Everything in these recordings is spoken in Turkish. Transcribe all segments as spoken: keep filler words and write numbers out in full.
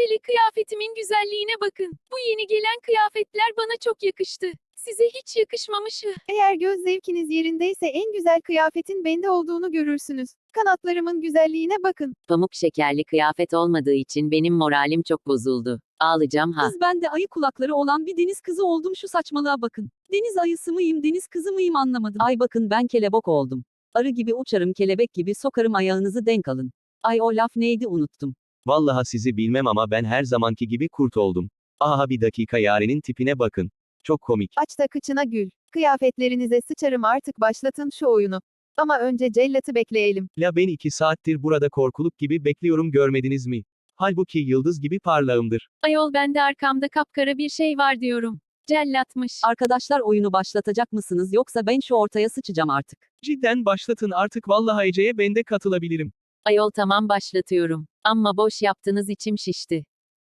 Hele kıyafetimin güzelliğine bakın. Bu yeni gelen kıyafetler bana çok yakıştı. Size hiç yakışmamış. Eğer göz zevkiniz yerindeyse en güzel kıyafetin bende olduğunu görürsünüz. Kanatlarımın güzelliğine bakın. Pamuk şekerli kıyafet olmadığı için benim moralim çok bozuldu. Ağlayacağım ha. Kız ben de ayı kulakları olan bir deniz kızı oldum, şu saçmalığa bakın. Deniz ayısı mıyım, deniz kızı mıyım anlamadım. Ay bakın ben kelebek oldum. Arı gibi uçarım, kelebek gibi sokarım, ayağınızı denk alın. Ay o laf neydi unuttum. Vallahi sizi bilmem ama ben her zamanki gibi kurt oldum. Aha bir dakika, Yaren'in tipine bakın. Çok komik. Aç da kıçına gül. Kıyafetlerinize sıçarım, artık başlatın şu oyunu. Ama önce cellatı bekleyelim. La ben iki saattir burada korkuluk gibi bekliyorum, görmediniz mi? Halbuki yıldız gibi parlağımdır. Ayol ben de arkamda kapkara bir şey var diyorum. Cellatmış. Arkadaşlar oyunu başlatacak mısınız, yoksa ben şu ortaya sıçacağım artık. Cidden başlatın artık, vallahi Ece'ye ben de katılabilirim. Ayol tamam başlatıyorum. Amma boş yaptınız, içim şişti.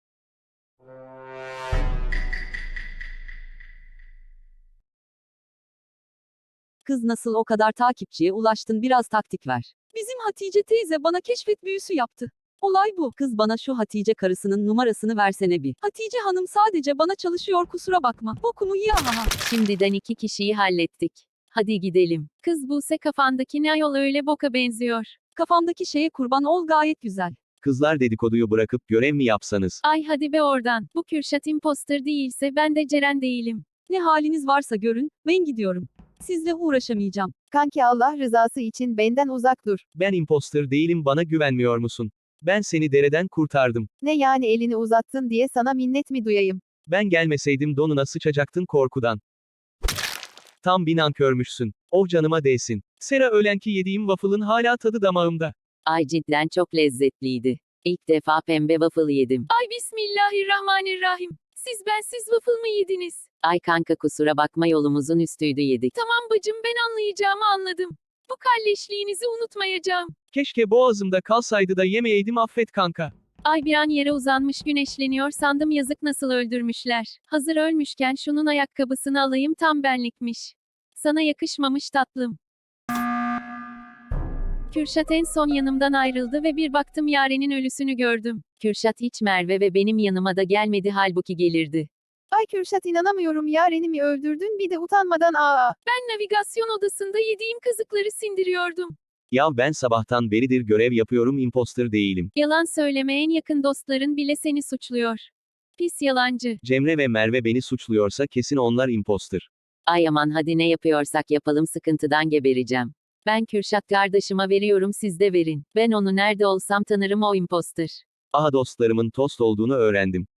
Kız nasıl o kadar takipçiye ulaştın, biraz taktik ver. Bizim Hatice teyze bana keşfet büyüsü yaptı. Olay bu. Kız bana şu Hatice karısının numarasını versene bir. Hatice hanım sadece bana çalışıyor, kusura bakma. Bokumu ye aha. Şimdiden iki kişiyi hallettik. Hadi gidelim. Kız Buse, kafandaki ne ayol öyle boka benziyor. Kafamdaki şeye kurban ol, gayet güzel. Kızlar dedikoduyu bırakıp görev mi yapsanız? Ay hadi be oradan. Bu Kürşat imposter değilse ben de Ceren değilim. Ne haliniz varsa görün, ben gidiyorum. Sizle uğraşamayacağım. Kanki Allah rızası için benden uzak dur. Ben imposter değilim, bana güvenmiyor musun? Ben seni dereden kurtardım. Ne yani, elini uzattın diye sana minnet mi duyayım? Ben gelmeseydim donuna sıçacaktın korkudan. Tam bir nankörmüşsün. Oh canıma değsin. Sera, öğlenki yediğim waffle'ın hala tadı damağımda. Ay cidden çok lezzetliydi. İlk defa pembe waffle yedim. Ay bismillahirrahmanirrahim. Siz bensiz waffle mı yediniz? Ay kanka kusura bakma, yolumuzun üstüydü yedik. Tamam bacım, ben anlayacağımı anladım. Bu kalleşliğinizi unutmayacağım. Keşke boğazımda kalsaydı da yemeyeydim, affet kanka. Ay bir an yere uzanmış güneşleniyor sandım, yazık nasıl öldürmüşler. Hazır ölmüşken şunun ayakkabısını alayım, tam benlikmiş. Sana yakışmamış tatlım. Kürşat en son yanımdan ayrıldı ve bir baktım Yaren'in ölüsünü gördüm. Kürşat hiç Merve ve benim yanıma da gelmedi, halbuki gelirdi. Ay Kürşat, inanamıyorum, Yaren'i mi öldürdün bir de utanmadan? Aa. Ben navigasyon odasında yediğim kazıkları sindiriyordum. Ya ben sabahtan beridir görev yapıyorum, imposter değilim. Yalan söyleme, en yakın dostların bile seni suçluyor. Pis yalancı. Cemre ve Merve beni suçluyorsa kesin onlar imposter. Ay aman hadi, ne yapıyorsak yapalım, sıkıntıdan gebereceğim. Ben Kürşat kardeşime veriyorum, siz de verin. Ben onu nerede olsam tanırım, o imposter. Aha dostlarımın tost olduğunu öğrendim.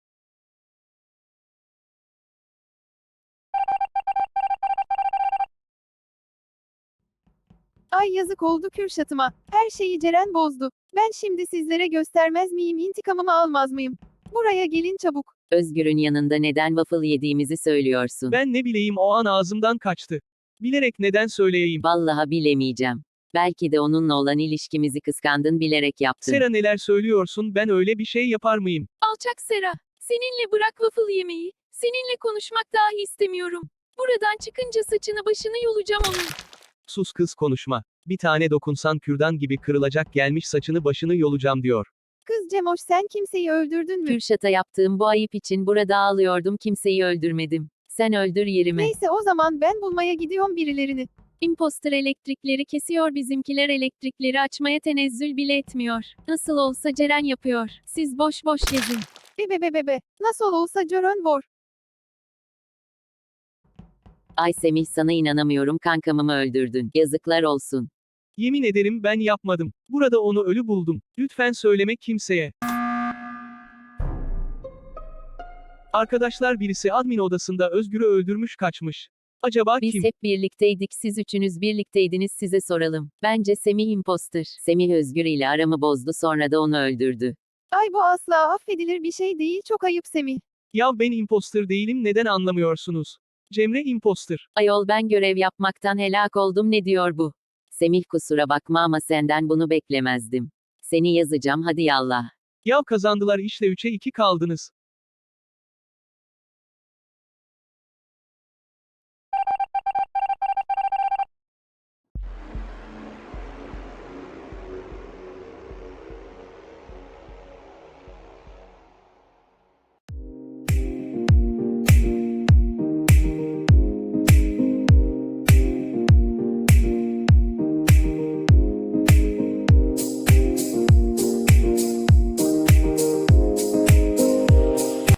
Ay yazık oldu Kürşat'ıma. Her şeyi Ceren bozdu. Ben şimdi sizlere göstermez miyim, intikamımı almaz mıyım? Buraya gelin çabuk. Özgür'ün yanında neden waffle yediğimizi söylüyorsun. Ben ne bileyim, o an ağzımdan kaçtı. Bilerek neden söyleyeyim? Vallahi bilemeyeceğim. Belki de onunla olan ilişkimizi kıskandın, bilerek yaptın. Sera, neler söylüyorsun, ben öyle bir şey yapar mıyım? Alçak Sera. Seninle bırak waffle yemeyi. Seninle konuşmak dahi istemiyorum. Buradan çıkınca saçını başını yolacağım onun. Sus kız, konuşma. Bir tane dokunsan kürdan gibi kırılacak, gelmiş saçını başını yolacağım diyor. Kız Cemoş, sen kimseyi öldürdün mü? Kürşat'a yaptığım bu ayıp için burada ağlıyordum, kimseyi öldürmedim. Sen öldür yerime. Neyse o zaman ben bulmaya gidiyorum birilerini. Imposter elektrikleri kesiyor, bizimkiler elektrikleri açmaya tenezzül bile etmiyor. Nasıl olsa Ceren yapıyor. Siz boş boş gezin. Bebe bebe be. Nasıl olsa Ceren var. Ay Semih, sana inanamıyorum, kankamı öldürdün. Yazıklar olsun. Yemin ederim ben yapmadım. Burada onu ölü buldum. Lütfen söyleme kimseye. Arkadaşlar, birisi admin odasında Özgür'ü öldürmüş kaçmış. Acaba Biz kim? hep birlikteydik, siz üçünüz birlikteydiniz, size soralım. Bence Semih imposter. Semih Özgür ile aramı bozdu, sonra da onu öldürdü. Ay bu asla affedilir bir şey değil, çok ayıp Semih. Ya ben imposter değilim, neden anlamıyorsunuz? Cemre imposter. Ayol ben görev yapmaktan helak oldum, ne diyor bu? Semih kusura bakma ama senden bunu beklemezdim. Seni yazacağım, hadi yallah. Ya kazandılar işte, üçe iki kaldınız.